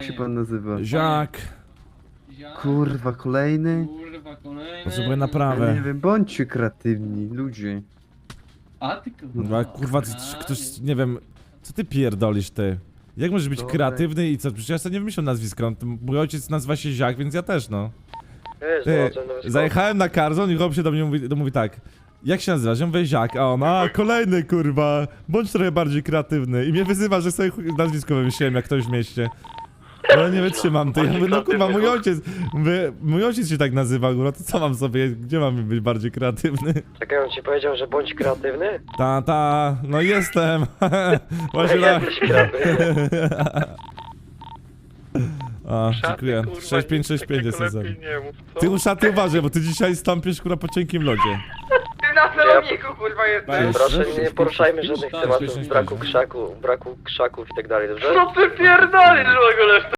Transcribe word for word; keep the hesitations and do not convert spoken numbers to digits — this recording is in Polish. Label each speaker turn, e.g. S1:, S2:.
S1: się pan nazywa?
S2: Ziak.
S3: Ziak,
S1: Kurwa, kolejny?
S3: Kurwa, kolejny.
S2: Potrzebuję
S1: Ja nie
S2: naprawę.
S1: wiem, bądźcie kreatywni, ludzie.
S3: A ty kurwa.
S2: Kurwa, kurwa, ty, ktoś, nie wiem, co ty pierdolisz, ty? Jak możesz być
S1: Dobra.
S2: kreatywny i co? Przecież ja sobie nie wymyśliłem nazwiska, on- mój ojciec nazywa się Ziak, więc ja też, no.
S4: Wiesz,
S2: Ty,
S4: no, no,
S2: zajechałem na Carzon i chłop się do mnie mówi, to mówi tak. Jak się nazywasz? Ja mówię Ziak, a on, a kolejny kurwa, bądź trochę bardziej kreatywny. I mnie wyzywa, że sobie chuj- nazwisko wymyśliłem jak ktoś w mieście. No nie wytrzymam, to ja mówię, no kurwa, mój ojciec, mówię, mój ojciec się tak nazywa, kurwa, to co mam sobie, gdzie mam być bardziej kreatywny?
S4: Czekaj, on ci powiedział, że bądź kreatywny?
S2: Ta, ta, no jestem. Właśnie tak.
S4: Jesteś kreatywny.
S2: A, dziękuję. sześć pięć sześć pięć jest za. Ty uszaty uważaj, bo ty dzisiaj stąpisz kurwa po cienkim lodzie.
S5: Ty na celowniku kurwa jesteś!
S4: Proszę, nie poruszajmy żadnych
S2: Tak,
S4: tematów
S2: śmiesznie
S4: braku
S2: chodzi.
S4: krzaku, braku krzaków i tak dalej, dobrze?
S5: Co ty pierdolisz w ogóle?